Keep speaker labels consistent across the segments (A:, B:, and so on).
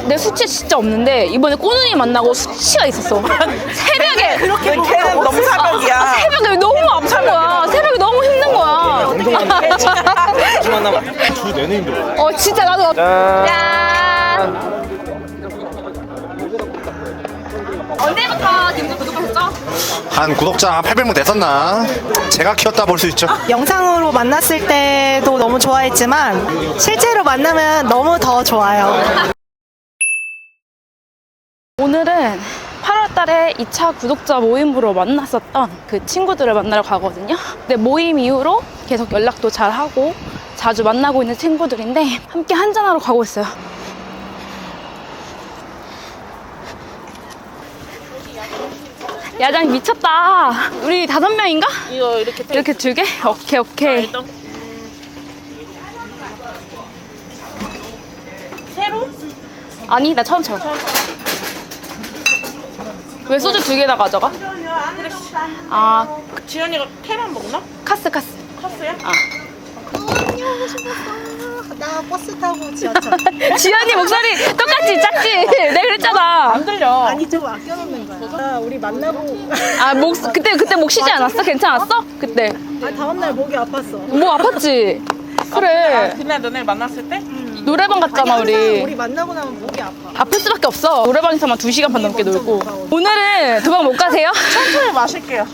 A: 내 수치 진짜 없는데 이번에 꼬눈이 만나고 수치가 있었어. 새벽에
B: 그렇게 걔는 너무 사벽이야.
A: 새벽에 너무 아픈 거야. 새벽에 너무 힘든 거야.
C: 주 만나면 주 내내 힘들어.
A: 진짜 나도. 짠. 언제부터 김구 구독하셨죠?
D: 한 구독자 800명 됐었나? 제가 키웠다 볼 수 있죠.
B: 영상으로 만났을 때도 너무 좋아했지만 실제로 만나면 너무 더 좋아요.
A: 오늘은 8월 달에 2차 구독자 모임으로 만났었던 그 친구들을 만나러 가거든요. 근데 모임 이후로 계속 연락도 잘 하고 자주 만나고 있는 친구들인데 함께 한잔하러 가고 있어요. 야장 미쳤다. 우리 5명인가?
B: 이거
A: 이렇게 2개? 오케이.
B: 새로?
A: 아니, 나 처음. 왜 소주 2개 다 가져가? 아,
B: 지연이가 캐만 먹나?
A: 카스.
B: 컸어요?
E: 하고 싶었어. 나 버스 타고 지하철.
A: 지연이 목소리 똑같지? 작지? 내가 그랬잖아.
B: 안 들려.
E: 아니 좀 아껴놓는 거야. 우리 만나고.
A: 아, 그때 목 쉬지 않았어? 괜찮았어? 그때.
E: 다음날 목이 아팠어.
A: 뭐 아팠지? 그래.
B: 그날 너네 만났을 때?
A: 노래방 갔잖아,
E: 항상
A: 우리.
E: 우리 만나고 나면 목이 아파.
A: 아플 수밖에 없어. 노래방에서만 2시간 반 넘게 놀고. 오늘은 도망 못 가세요?
B: 천천히 마실게요.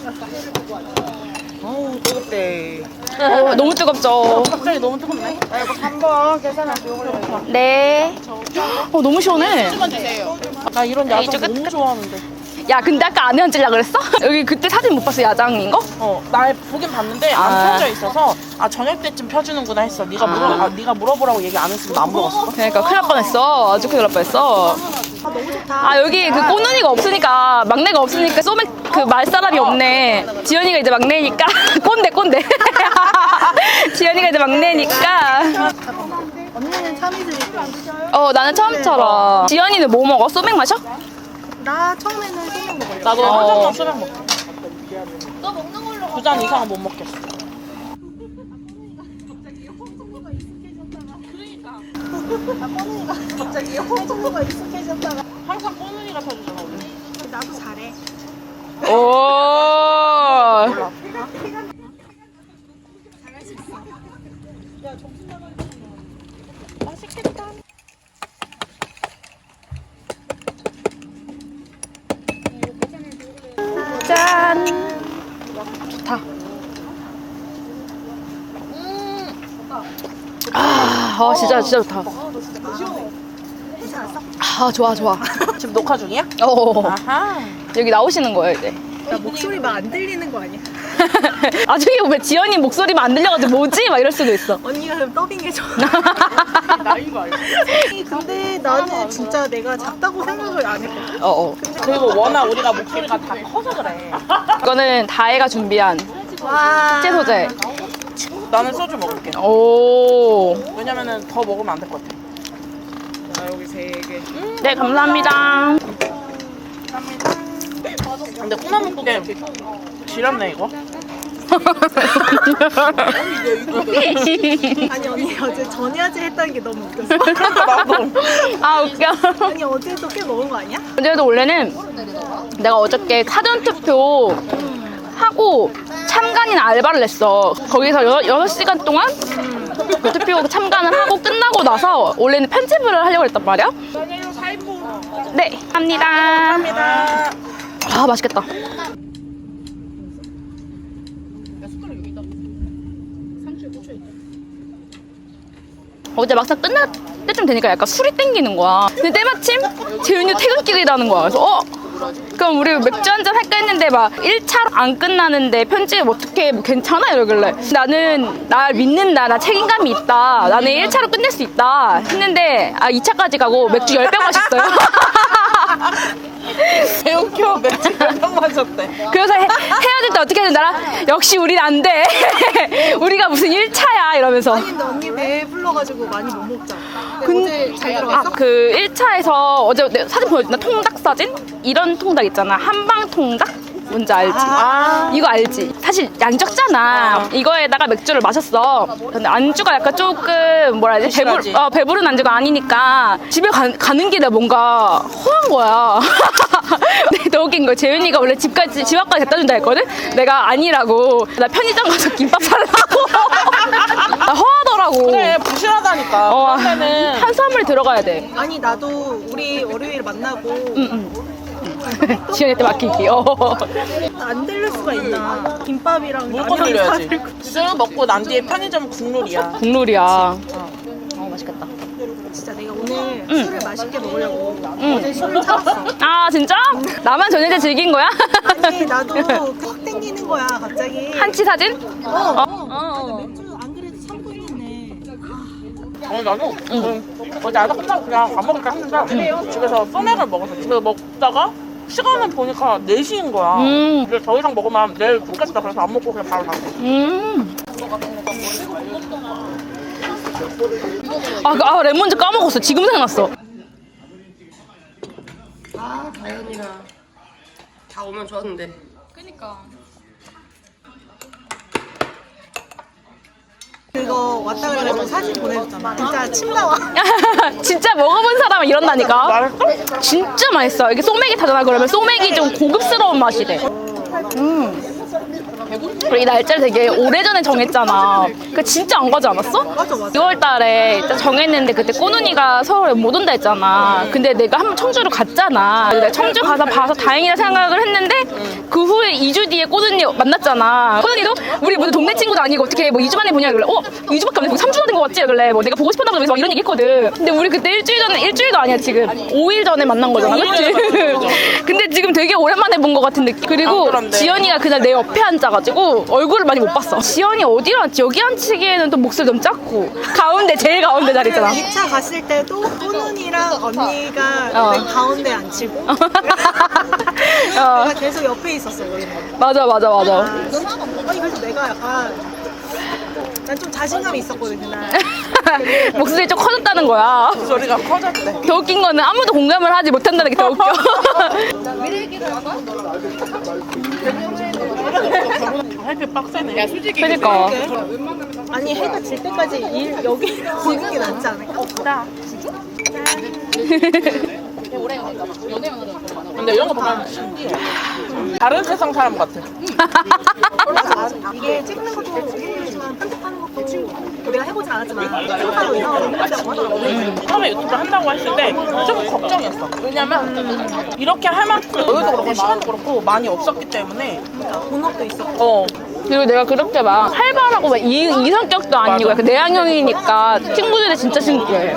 B: 어우 뜨겁대.
A: 너무 뜨겁죠?
B: 갑자기 너무 뜨겁네. 이거 3번 계산하시고.
A: 네. 너무 시원해.
B: 나 이런 야장
A: 이쪽은
B: 너무 좋아하는데.
A: 야, 근데 아까 안에 앉으려고 그랬어? 여기 그때 사진 못 봤어, 야장인 거?
B: 나 보긴 봤는데 안 펴져 있어서 저녁 때쯤 펴주는구나 했어. 네가 물어보라고 얘기 안 했으면 나 안 물어봤어.
A: 그러니까 큰일 날 뻔했어. 아주 큰일 날 뻔했어.
E: 너무 좋다.
A: 여기 그 꼬눈이가 없으니까, 막내가 없으니까 소맥 그 말 사람이 없네. 지연이가 이제 막내니까. 꼰대. 지연이가 이제 막내니까.
E: 언니는 참이슬이고.
A: 나는 처음처럼. 지연이는 뭐 먹어? 소맥 마셔?
E: 나 처음에는 소맥 먹을래.
B: 나도 한 잔만 수박 먹게. 너 먹는 걸로 2잔 이상은 못 먹겠어.
E: 갑자기 해주는 익숙해졌다가.
B: 항상 꼬눈이가 펴주잖아 우리.
E: 나도 잘해.
A: 오.
B: 맛있겠다.
A: 짠. 좋다. 진짜 좋다. 좋아.
B: 지금 녹화 중이야? 아하.
A: 여기 나오시는 거예요, 이제.
E: 나 목소리 막 안 들리는 거 아니야?
A: 나중에 보면 지연이 목소리만 안 들려가지고 뭐지? 막 이럴 수도 있어.
E: 언니가 그럼 더빙해줘.
B: 나인 거 알지?
E: 근데 나는 진짜 내가 작다고 생각을 안 했거든.
B: 그리고 워낙 우리가 목소리가 다 커서 그래.
A: 이거는 다혜가 준비한
E: 와.
A: 식재 소재.
B: 나는 소주 먹을게.
A: 오.
B: 왜냐면은 더 먹으면 안 될 것 같아. 자 여기 3개.
A: 네, 감사합니다.
B: 근데 콩나물국에 지렸네 이거.
E: 아니 언니 어제 전야제 했다는 게 너무 웃겼어.
A: 나도. 웃겨.
E: 아니 어제도 꽤 먹은 거 아니야?
A: 어제도 원래는 내가 어저께 사전투표 하고 참관인 알바를 냈어. 거기서 6시간 동안 그 투표 참관을 하고 끝나고 나서 원래는 편집을 하려고 했단 말이야. 네, 합니다.
B: 감사합니다.
A: 맛있겠다. 어제 막상 끝날 때쯤 되니까 약간 술이 땡기는 거야. 근데 때마침 재윤이 퇴근길이라는 거야. 그래서 그럼 우리 맥주 한잔 할까 했는데 막 1차로 안 끝나는데 편집 어떻게 뭐 괜찮아? 이러길래 나는 날 믿는다. 나 책임감이 있다. 나는 1차로 끝낼 수 있다. 했는데 2차까지 가고 맥주 10병 마셨어요.
B: 배우켜 맥주 10병 마셨대.
A: 그래서 헤어질 때 어떻게 해야 된다? 역시 우린 안 돼. 우리가 무슨 1차야 이러면서.
E: 아니 근데 언니 배 불러가지고 많이 못 먹잖아. 근데 어제 잘 들어갔어?
A: 그 1차에서 어제 내가 사진 보여줬나? 통닭 사진? 이런 통닭 있잖아. 한방 통닭? 뭔지 알지?
B: 아.
A: 이거 알지? 사실 양이 적잖아. 이거에다가 맥주를 마셨어. 근데 안주가 약간 조금 뭐라 해야 되지?
B: 부실하지.
A: 배부른 안주가 아니니까 집에 가는 길에 뭔가 허한 거야. 근데 더 웃긴 거 재윤이가 원래 집 앞까지 갖다 준다 했거든? 내가 아니라고. 나 편의점 가서 김밥 살라고. 나 허하더라고.
B: 그래 부실하다니까. 그럴 때는
A: 탄수화물이 들어가야 돼.
E: 아니 나도 우리 월요일 만나고
A: 지연이 때 맡기기.
E: 안 들릴 수가 있나. 김밥이랑
B: 물건
E: 라면
B: 들려야지.
E: 사들고.
B: 술 먹고 난 뒤에 편의점 국룰이야.
A: 국룰이야. 맛있겠다.
E: 진짜 내가 오늘 술을 맛있게 먹으려고 어제 술을 참았어.
A: 아 진짜? 나만 전해제 즐긴 거야?
E: 아니 나도 확 땡기는 거야 갑자기.
A: 한치 사진?
E: 맥주 안 그래도 참고 있는데.
B: 나도 어제 아다 끝나고 그냥 밥 먹을까 했는데 집에서 소맥을 먹었어. 집에서 먹다가 시간을 보니까 4시인 거야. 근데 더 이상 먹으면 내일 붓겠다. 그래서 안 먹고 그냥 바로 갔어.
A: 레몬즙 까먹었어. 지금 생각났어.
F: 아, 다현이랑 다 오면 좋았는데.
E: 그거 왔다 그래가지고 사진 보내줬잖아. 진짜 침 나와.
A: 진짜 먹어본 사람은 이런다니까.
B: 맛있어?
A: 진짜 맛있어. 이게 소맥이 타잖아. 그러면 소맥이 좀 고급스러운 맛이 돼. 그리고 이 날짜를 되게 오래전에 정했잖아. 그 진짜 안 가지 않았어?
E: 맞아, 맞아.
A: 6월 달에 일단 정했는데 그때 꼬눈이가 서울에 못 온다 했잖아. 근데 내가 한번 청주를 갔잖아. 내가 청주 가서 봐서 다행이다 생각을 했는데 그 후에 2주 뒤에 꼬눈이 만났잖아. 꼬눈이도 우리 모두 동네 친구도 아니고 어떻게 뭐 2주 만에 보냐 그래. 2주밖에 안 됐고 3주가 된 거 같지? 그래. 뭐 내가 보고 싶었나 보다. 막 이런 얘기 했거든. 근데 우리 그때 일주일도 아니야 지금. 5일 전에 만난 거잖아. 그치? 근데 지금 되게 오랜만에 본 거 같은 느낌. 그리고
B: 그런데.
A: 지연이가 그날 내 옆에 앉아가지고 얼굴을 많이 못 봤어. 지연이 어디로 앉지? 여기 앉히기에는 또 목소리 너무 작고 가운데 제일 가운데 자리 있잖아.
E: 2차 갔을 때도 꼬눈이랑 언니가 맨 가운데 앉히고 내가 계속 옆에 있었어.
A: 맞아.
E: 아니 그래서 내가 약간 난 좀 자신감이 있었거든 그날.
A: 목소리 좀 커졌다는 거야.
B: 소리가 커졌대.
A: 더 웃긴 거는 아무도 공감을 하지 못한다는 게 더 웃겨.
B: 햇빛 빡세네.
A: 그러니까.
E: 아니 해가 질 때까지 여기 보는 게 낫지 않을까?
B: 근데 이런 거 보면 신기해. 다른 세상 사람 같아.
E: 이게 찍는 것도 힘들지만 편집하는 것도 내가 해보진 않았지만 생각하고 이상하고 힘들다고 하더라고.
B: 처음에 유튜브 한다고 했을 때 좀 걱정했어. 왜냐면 이렇게 할 만큼 여유도 그렇고 시간도 그렇고 많이 없었기 때문에
E: 본업도 있었고.
A: 그리고 내가 그렇게 막 활발하고 막 이 성격도 아니고 약간 내향형이니까 친구들이 진짜 신기해.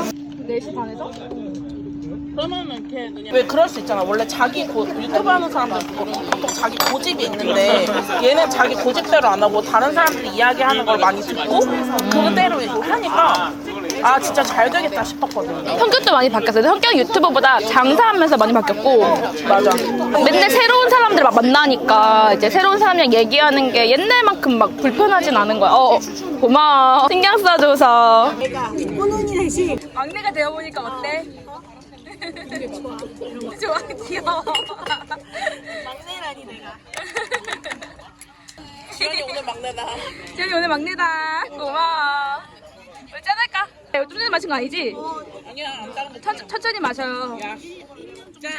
B: 그러면은 걔 그냥 왜 그럴 수 있잖아. 원래 자기 유튜브 하는 사람들 보통 자기 고집이 있는데 얘는 자기 고집대로 안 하고 다른 사람들이 이야기하는 걸 많이 듣고 그대로 하니까 아 진짜 잘 되겠다 싶었거든.
A: 성격도 많이 바뀌었어요. 성격 유튜버보다 장사하면서 많이 바뀌었고
B: 맞아.
A: 맨날 새로운 사람들 막 만나니까 이제 새로운 사람이랑 얘기하는 게 옛날만큼 막 불편하진 않은 거야. 고마워. 신경 써줘서.
E: 꼬눈이 대신
A: 막내가 되어보니까 어때? 좋아, 귀여워.
E: 막내라니 내가.
B: 지연이 오늘 막내다.
A: 지연이 오늘 막내다. 고마워. 우리 짠할까? 이거 뚜레 마신 거 아니지?
B: 아니야 안 다른 거.
A: 천천히 마셔요. 짠.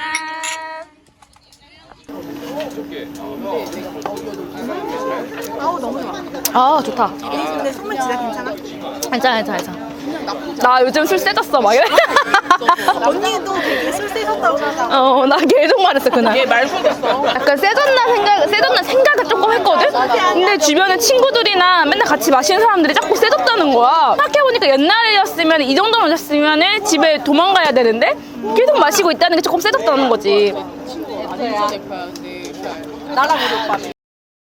E: 아우 너무 좋아.
A: 아, 좋다.
E: 근데 선물 진짜 괜찮아?
A: 괜찮아. 나 요즘 술 세졌어, 막 이래.
E: 언니도 되게 술 세셨다고 하잖아.
A: 나 계속 말했어, 그날.
B: 얘 말소됐어.
A: 약간 세졌나 생각을 조금 했거든? 근데 주변에 친구들이나 맨날 같이 마시는 사람들이 자꾸 세졌다는 거야. 생각해보니까 옛날이었으면 이 정도로 마셨으면 집에 도망가야 되는데 계속 마시고 있다는 게 조금 세졌다는 거지.
B: 나랑 우리 오빠는.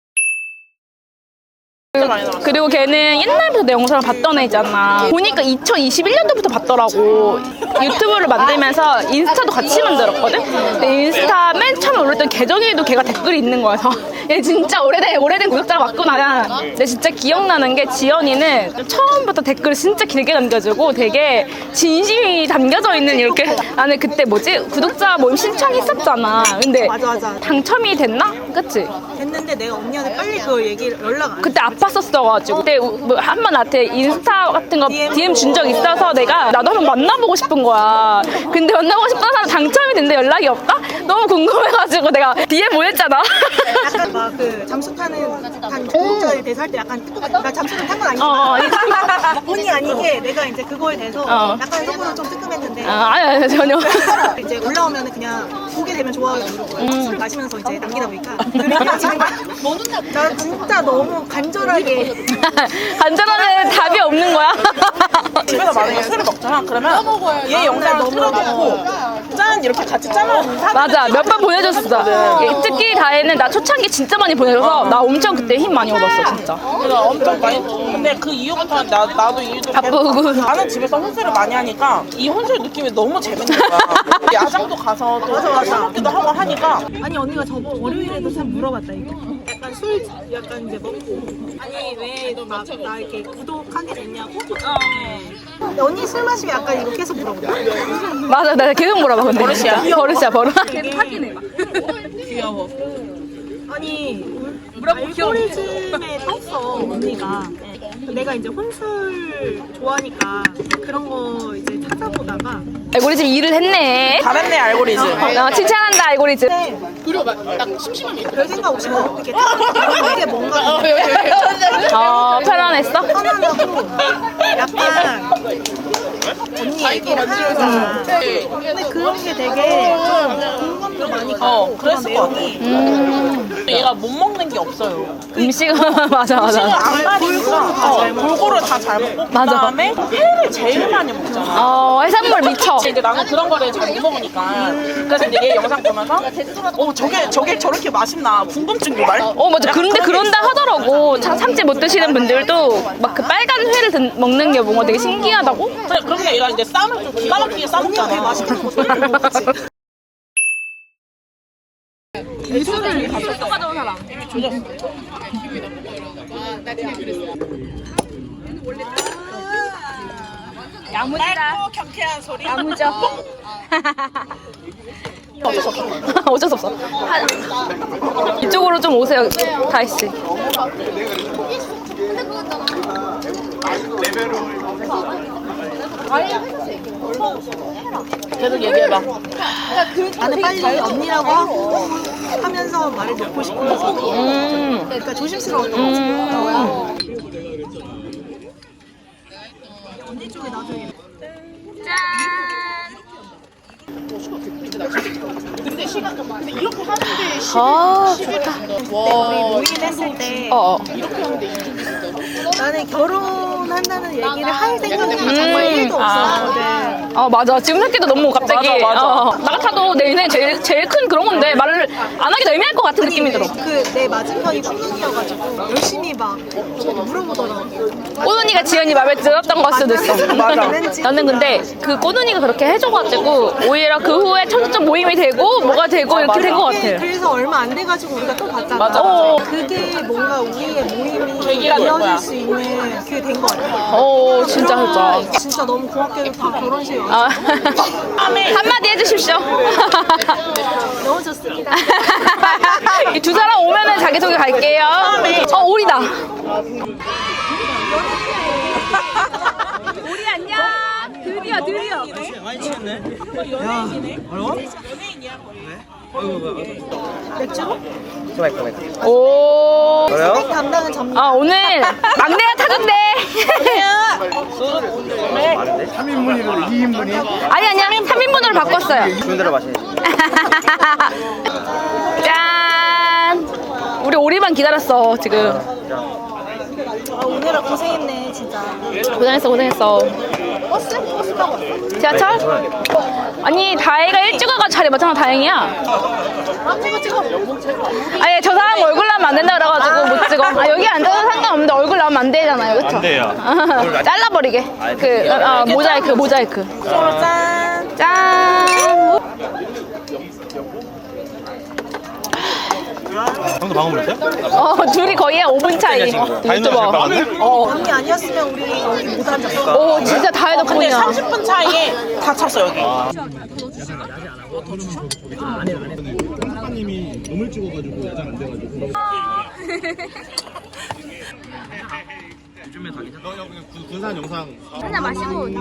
A: 그리고 걔는 옛날부터 내 영상을 봤던 애잖아. 보니까 2021년도부터 봤더라고. 유튜브를 만들면서 인스타도 같이 만들었거든? 근데 인스타 맨 처음에 올렸던 계정에도 걔가 댓글이 있는 거야. 그래서 얘 진짜 오래된 구독자가 맞구나. 근데 진짜 기억나는 게 지연이는 처음부터 댓글을 진짜 길게 남겨주고 되게 진심이 담겨져 있는 이렇게. 나는 그때 구독자 모임 신청했었잖아. 근데
E: 맞아.
A: 당첨이 됐나? 그치?
E: 됐는데 내가 언니한테 빨리 그걸 연락 안
A: 그때 아팠었어가지고 그때 한 번 나한테 인스타 같은 거 DM 준 적 있어서 내가 나도 한번 만나보고 싶은 거야. 근데 만나고 싶은 사람 당첨이 됐는데 연락이 없다? 너무 궁금해가지고 내가 DM 보냈잖아.
E: 약간 막 그 잠수 타는 구독자에 대해서 할 때 약간 나 잠수는 탄 건 아니지만 본의 아니게 내가 이제 그거에 대해서 약간 속으로 좀 뜨끔했는데
A: 아니 전혀.
E: 이제 올라오면 그냥 보게 되면 좋아하게 누르고 술을 마시면서 이제 남기다 보니까 그래가지고 나 진짜 너무 간절하게
A: 간절하면 답이 없는 거야.
B: 집에서 만약에 술을 먹잖아. 그러면 얘 영상을 틀어놓고 짠 이렇게 같이 짜놓은 사진.
A: 맞아, 몇 번 보내줬어. 특히 다혜는 나 초창기 진짜 많이 보내줘서 나 엄청 그때 힘 많이 얻었어 진짜.
B: 그래서 엄청 많이. 근데 그 이후부터 나도 일도
A: 바쁘고.
B: 나는 집에서 혼술을 많이 하니까 이 혼술 느낌이 너무 재밌는 거야. 야장도 가서 또 술 먹기도 하고 하니까.
E: 아니 언니가 저번 월요일에도 참 물어봤다 이거 약간 술 약간 이제 먹고 아니 왜나 이렇게 구독하게 됐냐고 근데 언니 술 마시면 약간 이거 계속 물어본다
A: 맞아, 나 계속 물어봐 근데.
B: 버릇이야?
A: 버릇이야 버릇.
B: 귀여워.
E: 아니 알고리즘에 떴어 언니가 내가 이제 혼술 좋아하니까 그런 거 이제 찾아보다가
A: 알고리즘 일을 했네.
B: 잘했네 알고리즘.
A: 칭찬한다 알고리즘.
E: 별 생각 없이 뭐 이렇게 이게 뭔가
A: 편안했어?
E: 편안하고 약간 언니 얘기를 하잖아 근데 그런 게 되게 좀 공감도 많이 가고 그런
B: 그랬을 것 같아.
E: 내용이
B: 얘가 못 먹는 게 없어요.
A: 음식은 맞아
B: 음식을
A: 맞아.
B: 안 많이 먹어. 골고루 다 잘 먹고
A: 맞아.
B: 그다음에 회를 제일 많이 먹잖아.
A: 해산물 미쳐.
B: 이제 나는 그런 거를 잘 못 먹으니까 그래서 이제 얘 영상 보면서 저게 저렇게 맛있나 궁금증 유발.
A: 맞아. 그런데 그런다 하더라고. 참지 못 드시는 분들도 막 그 빨간 회를 먹는 게 뭔가 되게 신기하다고?
B: 그래 그런데 얘가 이제 쌈을 좀 기가 막히게 싸먹잖아.
E: 되게 맛있게 먹고 소리를 먹었지
A: 야무지다.
B: 경쾌한 소리.
A: 야무져. 어쩔 수 없어. 이쪽으로 좀 오세요, 다희 씨.
B: 계속 얘기해봐.
E: 나는 빨리 언니라고 하고 하면서 말을 놓고 싶으면서 그러니까 조심스러웠던 거지 언니 쪽에 나중에
A: 좋다.
E: 우리 모임했을 때 나는 결혼한다는 얘기를 할 생각이 정말 1도 없었거든
A: 맞아. 지금 새끼도 너무 갑자기.
B: 맞아.
A: 나 같아도 내 인생 제일 큰 그런 건데 말을 안 하기도 애매할 것 같은 느낌이 들어.
E: 내 맞은편이 콩눈이어가지고 열심히 막 물어보더라고
A: 꼬눈이가 지연이 마음에 들었던 걸 수도 있어.
B: 맞아.
A: 나는 근데 그 꼬눈이가 그렇게 해줘가지고 오히려 그 후에 청첩장 모임이 되고 뭐가 되고 이렇게 된 것 같아.
E: 그래서 얼마 안 돼가지고 우리가 또 봤잖아
B: 맞아.
E: 그게 뭔가 우리의 모임이
B: 계기가 된 거야.
E: 이어질 수 있는 그게 된 것 같아
A: 진짜.
E: 진짜 너무 고맙게도 다 결혼식에 와서
A: 한마디 해주십시오.
E: 너무 좋습니다
A: 이 두 사람 오면은 자기소개 갈게요. 오리다. 오리 안녕. 드디어.
C: 많이 취했네.
E: 맥주로?
A: 오.
E: 스펙 담당은 접니다
A: 오늘 막내가 타던데.
D: 3인분이고 2인분이?
A: 아니야. 3인분으로 바꿨어요.
D: 좋은 대로 마시네.
A: 짠. 우리 오리만 기다렸어 지금.
E: 오늘은 고생했네 진짜
A: 고생했어.
E: 버스 타고 왔어?
A: 지하철? 아니 다혜가 일찍 와가지고 자리 맞춰서 다행이야.
E: 찍어
A: 아니 저 사람 얼굴 나오면 안 된다 그래가지고 못 찍어. 여기 앉아도 상관없는데 얼굴 나오면 안 되잖아요, 그쵸?
C: 안 돼요.
A: 잘라버리게. 모자이크.
B: 서로 짠.
A: 짠.
C: 형도 방금 물었어요?
A: 둘이 거의 한 5분 차이.
C: 다이노 잘 박았네?
E: 언니 아니었으면 우리 여기 못 앉았어
A: 진짜 다혜
B: 근데
A: 덕분이야.
B: 30분 차이에 다 찼어 여기.
C: 작가님이 몸을 찍어가지고 야장 안 돼가지고. 요즘에 다 괜찮아. 그냥 군산 영상.
A: 하나 마시고.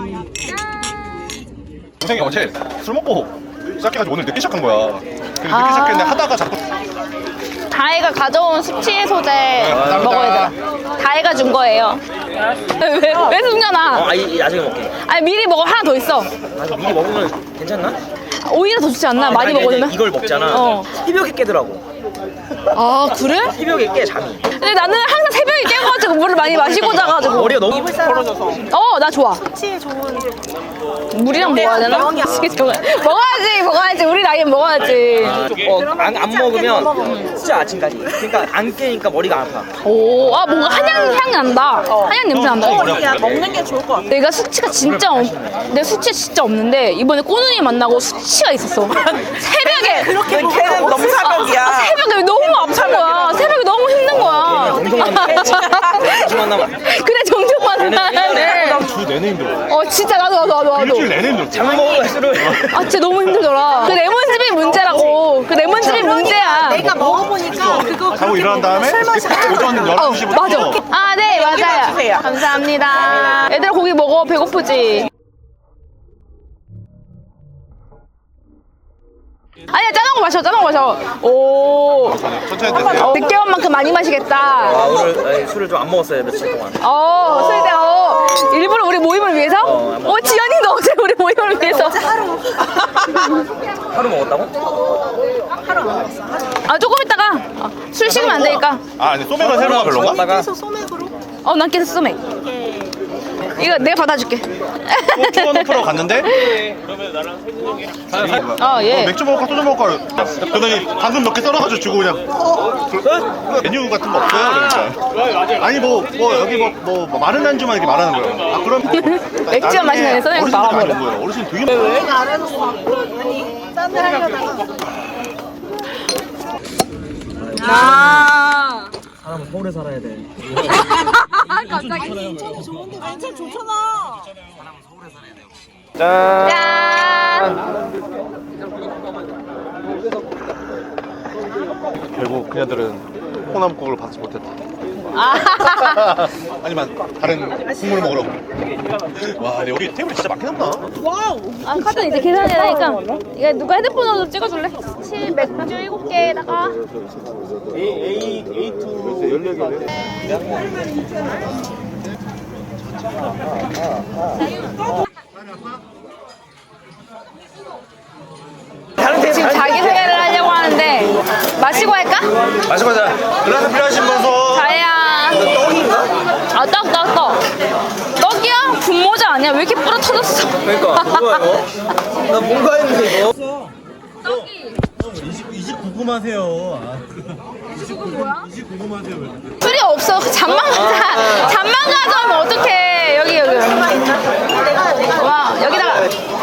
D: 동생이 어제 술 먹고 시작해가지고 오늘 늦게 시작한 거야. 그래서 늦게 시작했는데 하다가 자꾸
A: 다혜가 가져온 숙취 해소제 먹어야 돼. 다혜가 준 거예요. 왜 숨겨놔?
G: 나중에 먹게.
A: 아니 미리 먹어. 하나 더 있어.
G: 미리 먹으면 괜찮나?
A: 오히려 더 좋지 않나? 많이 먹으면?
G: 이걸 먹잖아.
A: 어.
G: 새벽에 깨더라고.
A: 아 그래?
G: 새벽에 깨 잠이.
A: 근데 나는 항상 새벽에 깨가지고 물을 많이 마시고 자가지고.
G: 머리가 너무
B: 벌어져서.
A: 나 좋아.
E: 치에 좋은
A: 물이랑 먹어야 되나? 먹어야지. 우리 나이엔 먹어야지.
G: 안 먹으면 진짜 아침까지. 그러니까 안 깨니까 머리가 아파.
A: 오, 뭔가 한약 향이 난다. 한약 냄새 난다.
B: 먹는 게 좋을 것 같아.
A: 내가 수치가 진짜 내 수치 진짜 없는데 이번에 꼬눈이 만나고 수치가 있었어. 새벽에
B: 걔는 너무 사벽이야.
A: 새벽에 너무 아픈 거야. 새벽에 너무 힘든 거야.
G: 정말 나
A: 그래 정정 만나네.
C: 주 내내 힘들어.
A: 진짜 나도.
C: 일주일 내내 힘들어.
G: 잠 먹으면 술을.
A: 진짜 너무 힘들더라. 그 레몬즙이 문제라고. 그 레몬즙이 문제야.
E: 내가 먹어보니까 그거
C: 자고 일어난 다음에 오전 12시부터.
A: 맞아. 네, 맞아요.
B: 주세요.
A: 감사합니다. 얘들아, 고기 먹어. 배고프지? 아니야, 짜는 거 마셔. 오.
C: 천천히 드세요.
A: 늦게 온 만큼 많이 마시겠다.
G: 오늘 술을 좀 안 먹었어요 며칠 동안.
A: 술때, 일부러 우리 모임을 위해서? 지연이도 어제 우리 모임을 위해서.
G: 하루 먹었다고?
A: 조금 있다가. 술 식으면 안 되니까.
D: 아니 소맥은 새로가 별로인가?
G: 먹다가
E: 소맥으로
A: 난 계속 소맥. 이거 내가 받아줄게.
D: 투어노프로 갔는데
A: 예.
D: 맥주 먹을까 소주 먹을까 그러더니 방금 몇 개 썰어가지고 주고 그냥 메뉴 같은 거 없어요? 그러니까 아니 뭐 여기 뭐 마른 안주만 이렇게 말하는 거예요. 그럼
A: 맥주만 마시는 소맥
D: 어르신들
A: 말아버려.
D: 아는 거예요. 어르신 되게 많아요.
E: 내가 안 해놓고 아니 짠을 하려다가
G: 사람은 서울에 살아야 돼.
E: 완전 좋잖아.
A: 짠.
D: 결국 그녀들은 콩나물국을 받지 못했다. 아니면 다른 국물을 먹으러. 와, 근데 여기 테이블 진짜 많긴 한다.
A: 카드 이제 계산해야 되니까. 이거 누가 핸드폰으로 찍어줄래? 맥주 7개에다가. 지금 자기소개를 하려고 하는데 마시고 할까?
D: 마시고 자. 그라스 필요하신 분 손.
A: 자야. 떡. 떡이야? 분모자 아니야? 왜 이렇게 부러터졌어?
G: 그러니까 뭐야 이거? 나 뭔가 했는데 이거.
C: 이집 궁금하세요. 이집 궁금하세요.
A: 술이 없어. 잠만 가져오면 어떡해. 여기. 와, 여기다가.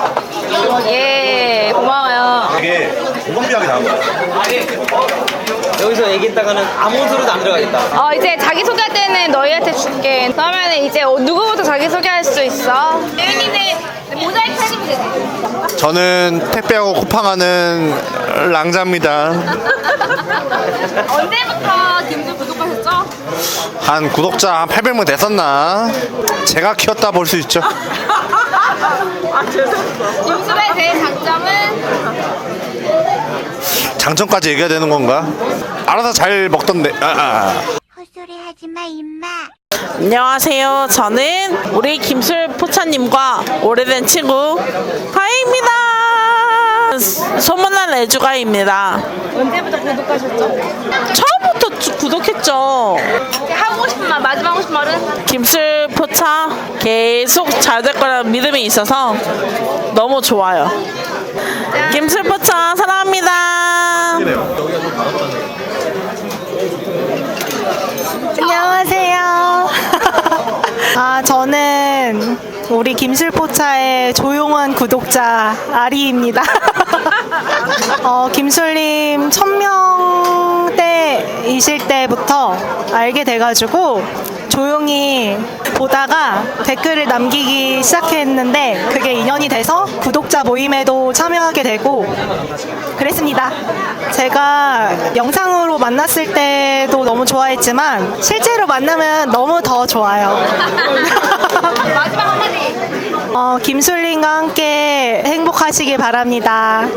A: 예, 고마워요.
D: 되게 공감비하게 나온 거야.
G: 여기서 얘기했다가는 아무 소리도 안 들어가겠다.
A: 이제 자기소개할 때는 너희한테 줄게. 그러면 이제 누구부터 자기소개할 수 있어? 예은이네 모자이크 해주면 되지.
D: 저는 택배하고 쿠팡하는 랑자입니다.
A: 언제부터 김수 구독하셨죠?
D: 한 구독자 한 800명 됐었나? 제가 키웠다 볼 수 있죠.
A: 김수의 제일 장점은?
D: 장점까지 얘기해야 되는 건가? 알아서 잘 먹던데.
H: 헛소리 하지마 임마.
B: 안녕하세요. 저는 우리 김술 포차님과 오래된 친구 가희입니다. 소문난 애주가입니다.
A: 언제부터 구독하셨죠?
B: 처음부터 구독했죠.
A: 하고 싶은 말, 마지막 하고 싶은 말은?
B: 김술 포차 계속 잘 될 거라는 믿음이 있어서 너무 좋아요. 김술 포차 사랑합니다.
E: 안녕하세요. 저는 우리 김술포차의 조용한 구독자 아리입니다. 김술님 1000명대 동네이실 때부터 알게 돼가지고 조용히 보다가 댓글을 남기기 시작했는데 그게 인연이 돼서 구독자 모임에도 참여하게 되고 그랬습니다. 제가 영상으로 만났을 때도 너무 좋아했지만 실제로 만나면 너무 더 좋아요.
A: 마지막 한마디.
E: 김술린과 함께 행복하시길 바랍니다.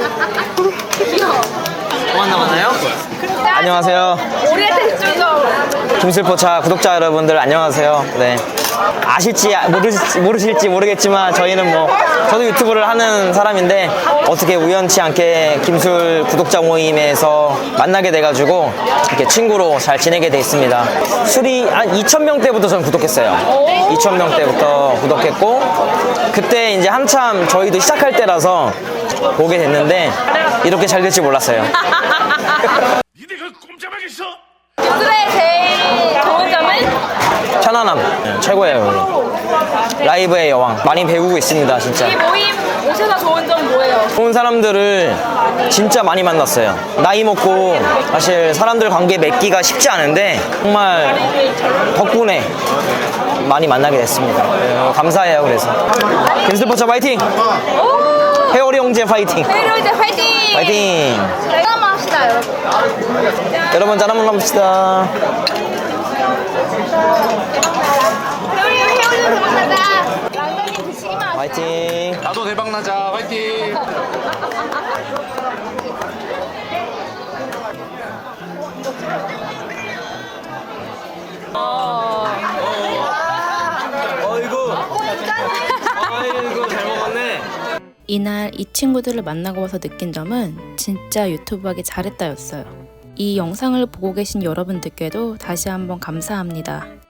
G: 또 만나요? 안녕하세요.
A: 우리한테 좀
G: 김술포차 구독자 여러분들 안녕하세요. 네. 아실지 모르실지 모르겠지만 저희는 뭐 저도 유튜브를 하는 사람인데 어떻게 우연치 않게 김술 구독자 모임에서 만나게 돼가지고 이렇게 친구로 잘 지내게 돼 있습니다. 술이 한 2,000명 때부터 전 구독했어요. 2,000명 때부터 구독했고 그때 이제 한참 저희도 시작할 때라서 보게 됐는데 이렇게 잘 될 줄 몰랐어요.
C: 니네가 꼼짝하게 있어?
A: 유튜브의 제일 좋은 점은
G: 편안함 최고예요. 라이브의 여왕 많이 배우고 있습니다. 진짜
A: 이 모임 오셔서 좋은 점 뭐예요?
G: 좋은 사람들을 진짜 많이 만났어요. 나이 먹고 사실 사람들 관계 맺기가 쉽지 않은데 정말 덕분에 많이 만나게 됐습니다. 감사해요. 그래서 김술포차 파이팅! 회오리 형제 파이팅!
A: 회의로 이제 화이팅!
G: 파이팅!
A: 짠 한번 합시다 여러분.
G: 여러분 짠 한번 합시다.
A: 회오리 대박나자. 랑가님 드시기만 하세요.
G: 파이팅!
D: 나도 대박 나자. 화이팅.
G: 아이고 잘 먹었네.
A: 이날 이 친구들을 만나고 와서 느낀 점은 진짜 유튜브 하기 잘했다였어요. 이 영상을 보고 계신 여러분들께도 다시 한번 감사합니다.